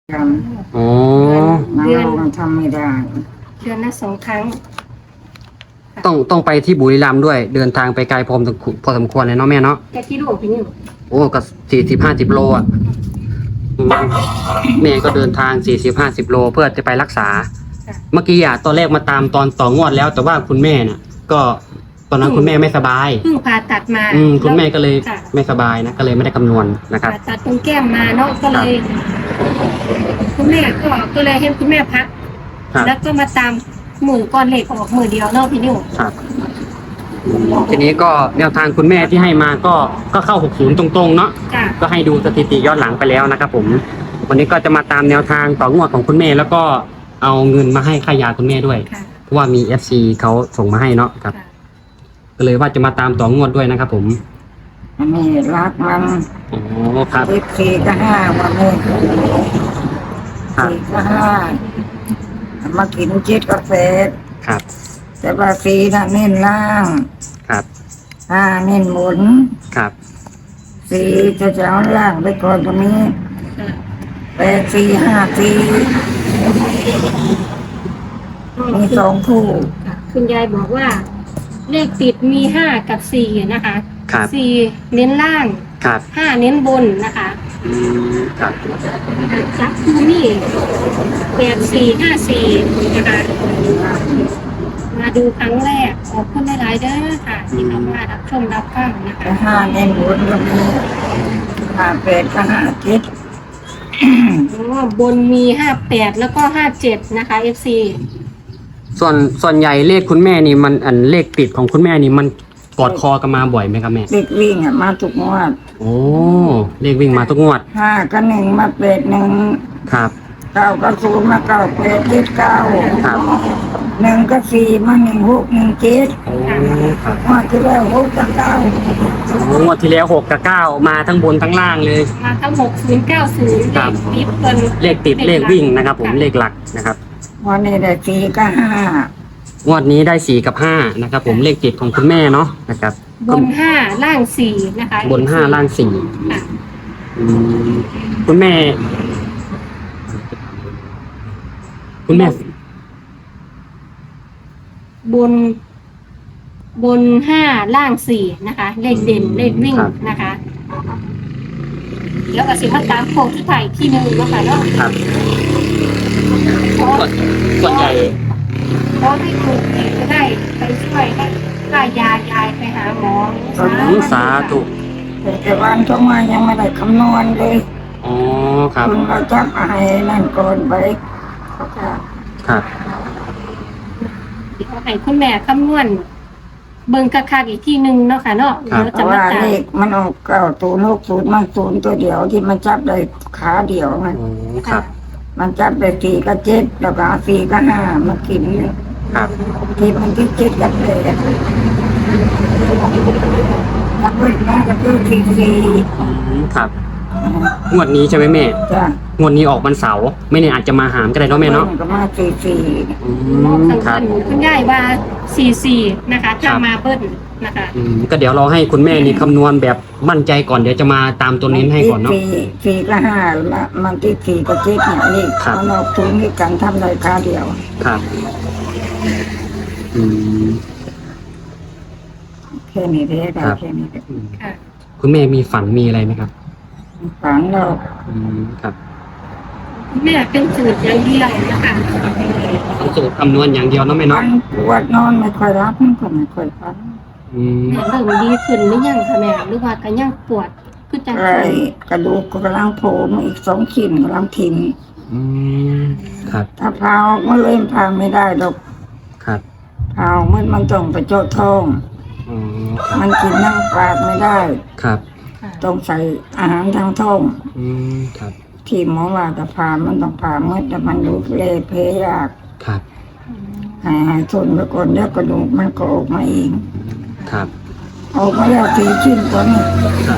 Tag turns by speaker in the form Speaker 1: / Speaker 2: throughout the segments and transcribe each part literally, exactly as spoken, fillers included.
Speaker 1: กัน
Speaker 2: อ๋อ
Speaker 1: น้ำลงทำไม่ได้
Speaker 3: เดือนละสองครั้ง
Speaker 2: ต้องต้องไปที่บุรีรัมย์ด้วย เดินทางไปไกลพอสมควรพอสมควรเลยเนาะแม่เนาะ
Speaker 3: แกกิโลพี่นิว
Speaker 2: โอ้ก็สี่สิบห้าสิบโลอ่ะอืมแม่ก็เดินทางสี่สิบห้าสิบโลเพื่อจะไปรักษา เมื่อกี้อ่ะตอนแรกมาตามตอนต่องวดแล้ว แต่ว่าคุณแม่น่ะ ก็ตอนนั้นคุณแม่ไม่สบาย
Speaker 3: เพิ่งผ่าตัดมา
Speaker 2: อืมคุณแม่ก็เลย
Speaker 3: ค่ะ
Speaker 2: ไม่สบายนะ ก็เลยไม่ได้คำนวณนะครับ
Speaker 3: ผ่าตัดตรงแก้มมาเนาะก็เลย คุณแม่ก็ก็เลยให้คุณแม่พัก
Speaker 2: ครับ
Speaker 3: แล้วก็มาตามมือก้อนเหล็กออกมือเดียวเนาะพี่นิว
Speaker 2: ครับทีนี้ก็แนวทางคุณแม่ที่ให้มาก็ก็เข้าหกสิบตรงๆเนาะ
Speaker 3: จ้ะ
Speaker 2: ก็ให้ดูสถิติย้อนหลังไปแล้วนะครับผม วันนี้ก็จะมาตามแนวทางต่องวดของคุณแม่ แล้วก็เอาเงินมาให้ค่ายาคุณแม่ด้วย
Speaker 3: ค่ะ
Speaker 2: เพราะว่ามี เอฟ ซี เขาส่งมาให้เนาะครับ
Speaker 3: ค่ะ
Speaker 2: ก็เลยว่าจะมาตามต่องวดด้วยนะครับผม
Speaker 1: อันนี้รักมัน
Speaker 2: อ๋อครับ
Speaker 1: สิบสี่ก็ห้าวันนี้
Speaker 2: ครับ
Speaker 1: สี่ก็ห้ามากินเจ็ดกาแฟ
Speaker 2: ครับ
Speaker 1: แต่ว่าสี่น่ะเน้นล่าง
Speaker 2: ครับ
Speaker 1: ห้าเน้นหมุน
Speaker 2: ครับ
Speaker 1: สี่จะจะเอาล่างไปก่อนตรงนี้
Speaker 3: ค่ะ
Speaker 1: แปดสี่ห้าสี่มีสองคู่
Speaker 3: ค่ะคุณยายบอกว่า เลขติดมีห้ากับสี่นะคะ
Speaker 2: ครับ
Speaker 3: สี่เน้นล่าง
Speaker 2: ครับ
Speaker 3: ห้าเน้นบนนะคะ
Speaker 2: อืมครับ
Speaker 3: จับคูนี่แปดสี่ห้าสี่นะคะมาดูครั้งแรกขอบคุณหลายๆเด้อค่ะ ที่เข้ามารับชมรับฟังนะคะ
Speaker 1: แต่ห้าเน้นหมุนก็มีห้าแปดก็ห้าเจ็ด
Speaker 3: อ๋อบนมีห้าแปดแล้วก็ห้าเจ็ดนะคะ เอฟ ซี
Speaker 2: ส่วนส่วนใหญ่เลขคุณแม่นี่มันอันเลขติดของคุณแม่นี่มันกอดคอกันมาบ่อยไหมครับแม่
Speaker 1: เด็กวิ่งอ่ะมาทุกงวด
Speaker 2: โอ้เลขวิ่งมาทุกงวด
Speaker 1: ห้าก็หนึ่งมาเป็ดหนึ่ง
Speaker 2: ครับ
Speaker 1: เก้าก็ศูนย์มาเก้าเป็ดเจ็ดเก้า
Speaker 2: ครับ
Speaker 1: หนึ่งก็สี่มาหนึ่งหกหนึ่งเจ็ด
Speaker 2: โอ้ครับ
Speaker 1: มาที่แล้วหกกับเก้า
Speaker 2: โอ้งวดที่แล้วหกกับเก้ามาทั้งบนทั้งล่างเลย
Speaker 3: มาทั้งหกศูนย์เก้าศูนย์
Speaker 2: ครับ
Speaker 3: ติดเปิน
Speaker 2: เลขติดเลขวิ่งนะครับ ผมเลขหลักนะครับ
Speaker 1: วันนี้ได้สี่ก็ห้าง
Speaker 2: วดนี้ได้สี่กับห้านะครับ ผมเลขติดของคุณแม่เนาะนะครับ
Speaker 3: บนห้าล่างสี่นะคะ
Speaker 2: บนห้าล่างสี่
Speaker 3: ค่ะ
Speaker 2: อืมคุณแม่ คุณแม่
Speaker 3: บน บนห้าล่างสี่นะคะ เลขเด่นเลขวิ่งนะคะ แล้วก็สิมาตามโค้งที่ไทยที่หนึ่งนะคะเนาะ
Speaker 2: ครับส่วนส่วนใหญ่
Speaker 3: เพราะให้คุณจะได้ไปช่วยให้ค่ายายายไปหาหมอ
Speaker 2: อืมสาธุ
Speaker 1: แต่วันก็มายังไม่ได้คำนวณเลย
Speaker 2: อ๋อครับ
Speaker 1: คุณเราจับไอ้นั่นก่อนไปเขาจะ
Speaker 2: ครับ
Speaker 3: เขาให้คุณแม่คำนวณเบิ่งคักๆอีกที่หนึ่งเนาะค่ะเนาะ
Speaker 2: ครับ
Speaker 3: เดี๋ยว
Speaker 1: เพ
Speaker 3: จะ
Speaker 1: ราะ
Speaker 3: มา
Speaker 1: ว่า
Speaker 3: ตาม
Speaker 1: เลขมันออกเก้าศูนย์หกศูนย์มันศูนย์ตัวเดียวที่มันจับได้ขาเดียวไง
Speaker 2: โอ้ครับ
Speaker 1: มันจับได้สี่กับเจ็ดแล้วก็สี่กับห้ามากิน
Speaker 2: ครับ
Speaker 1: ที่มันที่เจ็ดกับแปดแล้วก็น่าจะคือสี่สี่
Speaker 2: อืมครับ งวดนี้ใช่ไหมแม่
Speaker 1: จ้ะ
Speaker 2: งวดนี้ออกวันเสาร์ไม่แน่อาจจะมาหามก็ได้เนาะแม่เนาะ
Speaker 1: ก็มาสี่สี่
Speaker 2: อื
Speaker 3: มอง
Speaker 2: ม
Speaker 3: ทาง
Speaker 2: ครับ
Speaker 3: เบิ้ลคุณยายว่าสี่สี่นะคะ
Speaker 2: ครั
Speaker 3: ถ้า
Speaker 2: บ
Speaker 3: มาเบิ้ลนะคะ
Speaker 2: อืมก็เดี๋ยวเราให้คุณแม่นี่คำนวณแบบมั่นใจก่อนเดี๋ยวจะมาตามตัวเน้นให้ก่อนเนาะ
Speaker 1: สี่สี่กับห้ามามันที่สี่กับเจ็ดเนี่ยนี่
Speaker 2: ครับ
Speaker 1: มันออกทุนที่กันทำได้ขาเดียว
Speaker 2: ครับ อืม
Speaker 1: แค่นี้ได้ได้
Speaker 2: ครับ
Speaker 1: แค่นี้ได้
Speaker 2: อืม
Speaker 3: ค่ะ
Speaker 2: คุณแม่มีฝันมีอะไรไหมครับ
Speaker 1: ฝันเรา
Speaker 2: อืมครับ
Speaker 3: คุณแม่เป็นสูตรอย่างเดียวนะคะ
Speaker 2: ต้องสูตรคำนวณอย่างเดียวเนาะแม่
Speaker 1: ฝั
Speaker 2: เนาะ
Speaker 1: นปวดนอนไม่ค่อยรับมันก็ไม่ค่อยฝัน
Speaker 2: อืม
Speaker 3: แม่เริ่มดีขึ้นหรือยังคะแม่หรือว่าก็ยังปวดคือจัง
Speaker 1: ไอ้กระดูกก็กำลังโผล่มาอีกสองชิ้นกำลังทิ่ม
Speaker 2: อืมครับ
Speaker 1: ถ้าพาออกมาเลยพาไม่ได้ดอก
Speaker 2: ครับ
Speaker 1: พาออกมันมันต้องไปเจาะท้อง
Speaker 2: อ๋อครับ
Speaker 1: มันกินนั่งปากไม่ได้
Speaker 2: ครับ
Speaker 3: ค่ะ
Speaker 1: ต้องใส่อาหารทางท้อง
Speaker 2: อืมครับ
Speaker 1: ที่หมอว่าจะพามันต้องพาเมื่อแต่มันดูเละเพยยาก
Speaker 2: ครับ
Speaker 1: หายหายทนไปก่อนแล้วกระดูกมันก็ออกมาเอง
Speaker 2: ครับ
Speaker 1: ออกมาแล้วสี่ชิ้นตัวนี้
Speaker 2: ครับ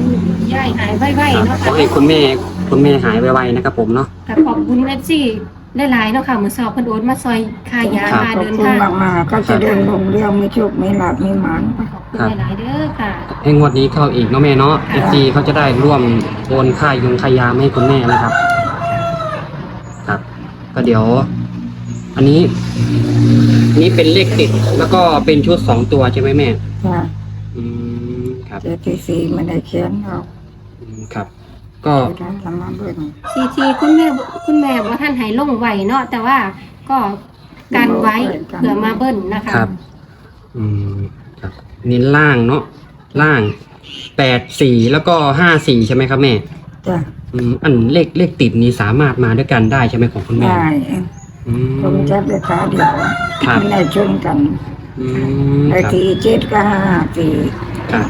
Speaker 3: ยายหายไวๆเนาะ
Speaker 2: ขอ
Speaker 3: ค่ะ
Speaker 2: ให้คุณแม่คุณแม่หายไวๆนะครับผมเนาะ
Speaker 3: แต่ขอบคุณเอฟซีได้หลายเนาะค่ะมือสอบเพิ่นโอนมาซอยค่ายา
Speaker 2: ครับ
Speaker 3: ค่า
Speaker 1: ขอบ
Speaker 3: เดิน
Speaker 1: คุณ
Speaker 3: ทาง
Speaker 1: มากมากๆก็จะเดินลงเรื่องไม่โชคไม่หลับไม่หมาน
Speaker 3: ขอบคุณหลายๆเด้อค่ะ
Speaker 2: ให้งวดนี้เข้าอีกเนาะแม่เนาะ เอฟ ซี เขาจะได้ร่วมโอนค่ายงค่ายามาให้คุณแม่นะครับ ครับ ก็เดี๋ยว อันนี้อันนี้เป็นเลขติดแล้วก็เป็นชุดสองตัวใช่ไหมแม่
Speaker 1: จ้ะ
Speaker 2: อืมครับ
Speaker 1: เจที่สี่ไม่ได้เขียนเรา
Speaker 2: อืมครับ ก็
Speaker 1: จะได้ทำมาเบิ่ง
Speaker 3: ซีทีคุณแม่คุณแม่บ่ท่านให้ลงไหวเนาะแต่ว่าก็การไว้เผื่อมาเบิ้ลนะคะ
Speaker 2: ครับ อืมครับนี่ล่างเนาะล่างแปดสี่แล้วก็ห้าสี่ใช่ไหมครับแม่
Speaker 1: จ้ะ
Speaker 2: อืมอันเลขเลขติดนี้สามารถมาด้วยกันได้ใช่ไหมของคุณแม่
Speaker 1: ได้
Speaker 2: อืม
Speaker 1: ผมจับได้ขาเดียว
Speaker 2: ครับ
Speaker 1: ไม่ได้ชนกัน
Speaker 2: อืม
Speaker 1: ไอ้
Speaker 2: ครับ
Speaker 1: ทีเจ็ดก็ห้าสี่
Speaker 2: ครับ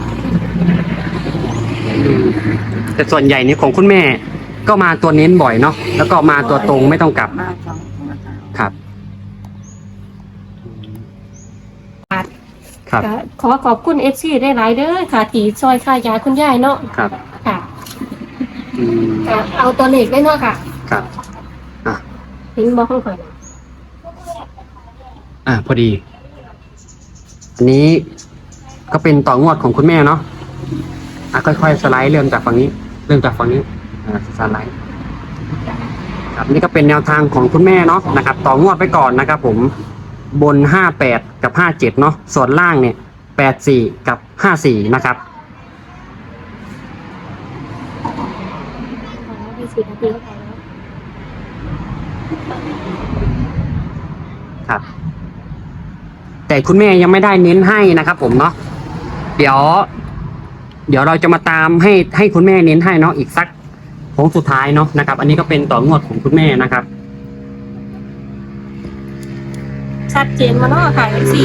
Speaker 2: อืมแต่ส่วนใหญ่นี่ของคุณแม่ ก็มาตัวเน้นบ่อยเนาะแล้วก็มาตัวตรงไม่ต้องกลับ
Speaker 1: มาสองตัวค่ะ
Speaker 2: ครับ ครับ
Speaker 3: ก็ขอขอบคุณ เอฟ ซี ได้หลายเด้อค่ะที่ซอยค่ายาคุณยายเนาะ
Speaker 2: ครับ
Speaker 3: ค่ะ
Speaker 2: อืม
Speaker 3: ก็เอาตัวเลขได้เนาะค่ะ
Speaker 2: ครับ อ่ะ
Speaker 3: เห็นบ่ข้างข่อย
Speaker 2: อ่ะพอดี อันนี้ก็เป็นต่องวดของคุณแม่เนาะอ่ะค่อยๆสไลด์เริ่มจากฝั่งนี้ เริ่มจากฝั่งนี้อ่าสไลด์ครับนี่ก็เป็นแนวทางของคุณแม่เนาะนะครับ ต่องวดไปก่อนนะครับ ผมบนห้าแปดกับห้าเจ็ดเนาะส่วนล่างเนี่ยแปดสี่กับห้าสี่นะครับ
Speaker 3: มีสี่นาทีเข้าไปแล้ว
Speaker 2: ครับ แต่คุณแม่ยังไม่ได้เน้นให้นะครับ ผมเนาะเดี๋ยว เดี๋ยวเราจะมาตามให้ให้คุณแม่เน้นให้เนาะอีกสักโค้งสุดท้ายเนาะนะครับ อันนี้ก็เป็นต่องวดของคุณแม่นะครับ
Speaker 3: ชัดเจนมาเนาะค่ะ เอฟ ซี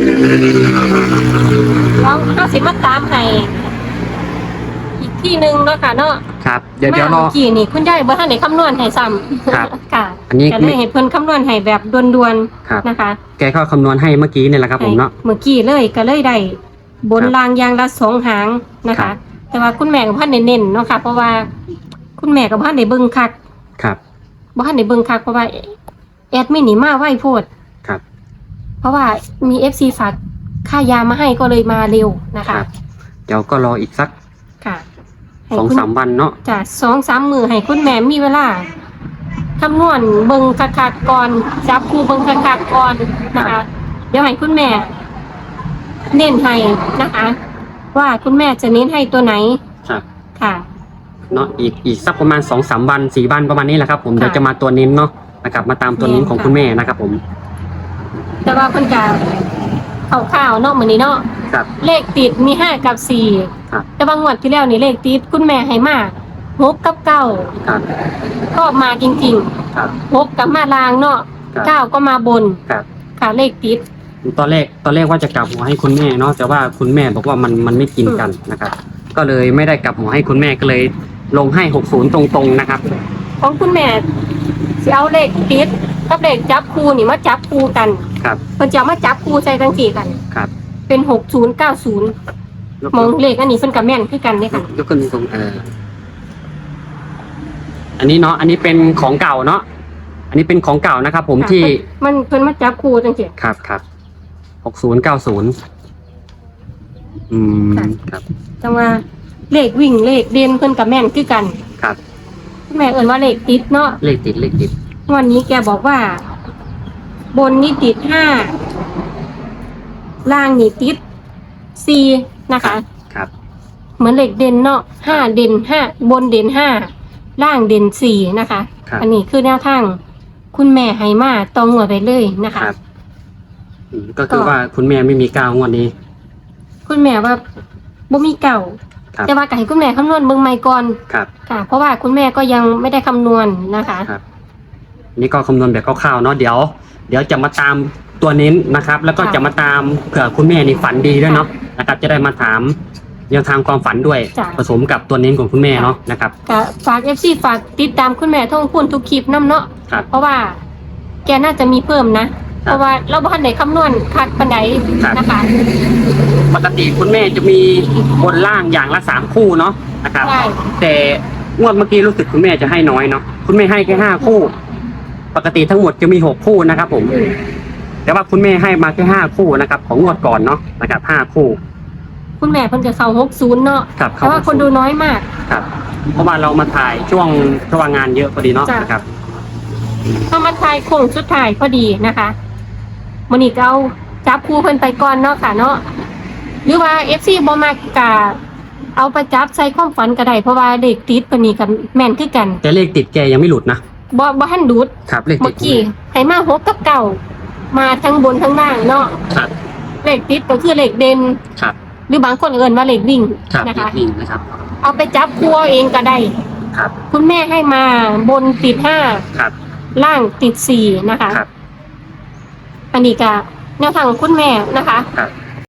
Speaker 3: ลองห้าสิบมาตามให้อีกที่หนึ่งเนาะค่ะเนาะ
Speaker 2: ครับ เดี๋ยวเดี๋ยวรอ
Speaker 3: เมื่อกี้นี่คุณยายบ่ทันได้คำนวณให้ซ้ำ
Speaker 2: ครับ
Speaker 3: ค่ะ
Speaker 2: อันนี้
Speaker 3: ก็เลยให้เพิ่นคำนวณให้แบบด่วน
Speaker 2: ครับ
Speaker 3: ๆนะคะ
Speaker 2: แกก็คำนวณให้เมื่อกี้เนี่ยแหละครับ ผมเนาะ
Speaker 3: ให้เมื่อกี้เลยก็เลยได้บน
Speaker 2: ครับ
Speaker 3: รางยางละสองหางนะ
Speaker 2: ครั
Speaker 3: คะ
Speaker 2: บ
Speaker 3: แต่ว่าคุณแม่กับพ่อเน้นๆเนาะค่ะ เพราะว่าคุณแม่กับพ่อในเบิ่งคัก
Speaker 2: ครับ
Speaker 3: บ่ทันได้เบิ่งคักเพราะว่าแอดมินนี่มาไวโพด
Speaker 2: ครับ
Speaker 3: เพราะว่ามี เอฟ ซี ฝากค่ายามาให้ก็เลยมาเร็วนะ
Speaker 2: ค
Speaker 3: คะ
Speaker 2: รับ เดี๋ยวก็รออีกสัก
Speaker 3: ค่ะให้
Speaker 2: สอง
Speaker 3: คุณ
Speaker 2: สามวันเนาะ
Speaker 3: จ้ะสองสามมือให้คุณแม่มีเวลาคำนวณเบิ่งคักๆก่อนจับคู่เบิ่งคักๆก่อนนะคะ เดี๋ยวให้คุณแม่ เน้นให้นะคะ ว่าคุณแม่จะเน้นให้ตัวไหน
Speaker 2: ครับ
Speaker 3: ค่ะ
Speaker 2: เนาะอีกอีกสักประมาณสองสามวันสี่วันประมาณนี้แหละครับ ผม
Speaker 3: ค่ะ
Speaker 2: เดี๋ยวจะมาตัวเน้นเนาะนะครับมาตามตัวเน้นของ
Speaker 3: ค่ะ
Speaker 2: คุณแม่นะครับ ผม
Speaker 3: แต่ว่าเพิ่นจะเอาข่าวๆเนาะมื้อนี้เนาะ
Speaker 2: ครับ
Speaker 3: เลขติดมีห้ากับสี่
Speaker 2: ครับ
Speaker 3: แต่บางงวดที่แล้วนี่เลขติดคุณแม่ให้มาหกกับเก้า
Speaker 2: ครับ
Speaker 3: ก็มาจริง
Speaker 2: ครับ
Speaker 3: ๆหกกับมาลางเนาะ
Speaker 2: ครับ
Speaker 3: เก้าก็มาบน
Speaker 2: ครับ
Speaker 3: ค่ะเลขติด
Speaker 2: ตอนแรกตอนแรกว่าจะกลับหัวให้คุณแม่เนาะแต่ว่าคุณแม่บอกว่ามันมันไม่กินกันนะครับ ก็เลยไม่ได้กลับหัวให้คุณแม่ก็เลยลงให้หกศูนย์ตรงๆนะครับ
Speaker 3: ของคุณแม่สิเอาเลขติดกับเลขจับคู่นี่มาจับคู่กัน
Speaker 2: ครับ
Speaker 3: เพิ่นจะเอามาจับคู่ใส่ทั้งสี่กัน
Speaker 2: ครับ
Speaker 3: เป็นหกศูนย์เก้าศูนย์
Speaker 2: ยก
Speaker 3: มองเลขอันนี้เพิ่นกับแม่นคือกันเนี่ยค่ะ
Speaker 2: ยกขึ้นตรงเอออันนี้เนาะอันนี้เป็นของเก่าเนาะอันนี้เป็นของเก่านะครับ ผมที่
Speaker 3: มันเพิ่นมาจับคู่จังซี่
Speaker 2: ครับครับหกศูนย์เก้าศูนย์อืมครับ
Speaker 3: จังว่าเลขวิ่งเลขเด่นเพิ่นกับแม่นคือกัน
Speaker 2: ครับ
Speaker 3: คุณแม่เอิ้นว่าเลขติดเนาะ
Speaker 2: เลขติดเลขติด
Speaker 3: วันนี้แกบอกว่า บนนี่ติดห้าล่างนี่ติดสี่นะคะ
Speaker 2: ครับ
Speaker 3: เหมือนเลขเด่นเนาะห้าเด่นห้าบนเด่นห้าล่างเด่นสี่นะคะ
Speaker 2: ครับ
Speaker 3: อันนี้คือแนวทางคุณแม่ให้มาตองหัวไปเลยนะคะ
Speaker 2: ครับอืมก็คือว่าคุณแม่ไม่มีก้าวงวดนี้
Speaker 3: คุณแม่ว่าบ่มีเก่า
Speaker 2: ครับ
Speaker 3: แต่ว่าก็ให้คุณแม่คำนวณเบิ่งใหม่ก่อน
Speaker 2: ครับ
Speaker 3: ค่ะ เพราะว่าคุณแม่ก็ยังไม่ได้คำนวณนะคะ
Speaker 2: ครับนี่ก็คำนวณแบบคร่าวๆเนาะเดี๋ยว เดี๋ยวจะมาตามตัวเน้นนะครับ แล้วก็
Speaker 3: ค่ะ
Speaker 2: จะมาตามเผื่อคุณแม่นี่ฝันดีด้วยเนาะนะครับ จะได้มาถามแนวทางความฝันด้วย
Speaker 3: จ้ะ
Speaker 2: ผสมกับตัวเน้นของคุณแม่เนาะนะครับ
Speaker 3: ก็ฝาก เอฟ ซี ฝากติดตามคุณแม่ท่องพูนทุกคลิปน้ำเนาะ
Speaker 2: ครับ
Speaker 3: เพราะว่าแกน่าจะมีเพิ่มนะ เพราะว่าเราบ้านไหนคำนวณคัดปันไหน
Speaker 2: ครับ
Speaker 3: นะคะ
Speaker 2: ปกติคุณแม่จะมีบนล่างอย่างละสามคู่เนาะนะครับ
Speaker 3: ใช่
Speaker 2: แต่งวดเมื่อกี้รู้สึกคุณแม่จะให้น้อยเนาะคุณแม่ให้แค่ห้าคู่ปกติทั้งหมดจะมีหกคู่นะครับผมแต่ว่าคุณแม่ให้มาแค่ห้าคู่นะครับ ของงวดก่อนเนาะนะครับห้าคู่
Speaker 3: คุณแม่เพิ่นจะเข้าหกสิบเนาะ
Speaker 2: ครับ
Speaker 3: แต่ว่าคนดูน้อยมาก
Speaker 2: ครับเพราะว่าเรามาถ่ายช่วงช่วงงานเยอะพอดีเนาะ
Speaker 3: จ้ะ
Speaker 2: นะครับ
Speaker 3: พอมาทายโค้งสุดท้ายพอดีนะคะมื้อนี้ก็เอาจับคู่เพิ่นไปก่อนเนาะค่ะเนาะหรือว่า เอฟ ซี บ่มักกะเอาไปจับใส่ความฝันก็ได้เพราะว่าเลขติดเพิ่นนี่ก็แม่นคือกัน
Speaker 2: แต่เลขติดแกยังไม่หลุดนะ
Speaker 3: บ่บ่ทันดูด
Speaker 2: ครับเลข
Speaker 3: เมื่
Speaker 2: ติ
Speaker 3: อ
Speaker 2: ด
Speaker 3: กี้ให้มาหกกับเก้ามาทั้งบนทั้งล่างเนาะ
Speaker 2: ครับ
Speaker 3: เลขติดก็คือเลขเด่น
Speaker 2: ครับ
Speaker 3: หรือบางคนเอิ้นว่าเลขวิ่ง
Speaker 2: ครับ
Speaker 3: นะ
Speaker 2: เล
Speaker 3: คะ
Speaker 2: ขวิ่งนะครับ
Speaker 3: เอาไปจับคู่เอาเองก็ได้
Speaker 2: ครับ
Speaker 3: คุณแม่ให้มาบนติดห้า
Speaker 2: ครับ
Speaker 3: ล่างติดสี่นะคะ
Speaker 2: ครับ
Speaker 3: อันนี้ก็แนวทางของคุณแม่นะคะ
Speaker 2: ครับ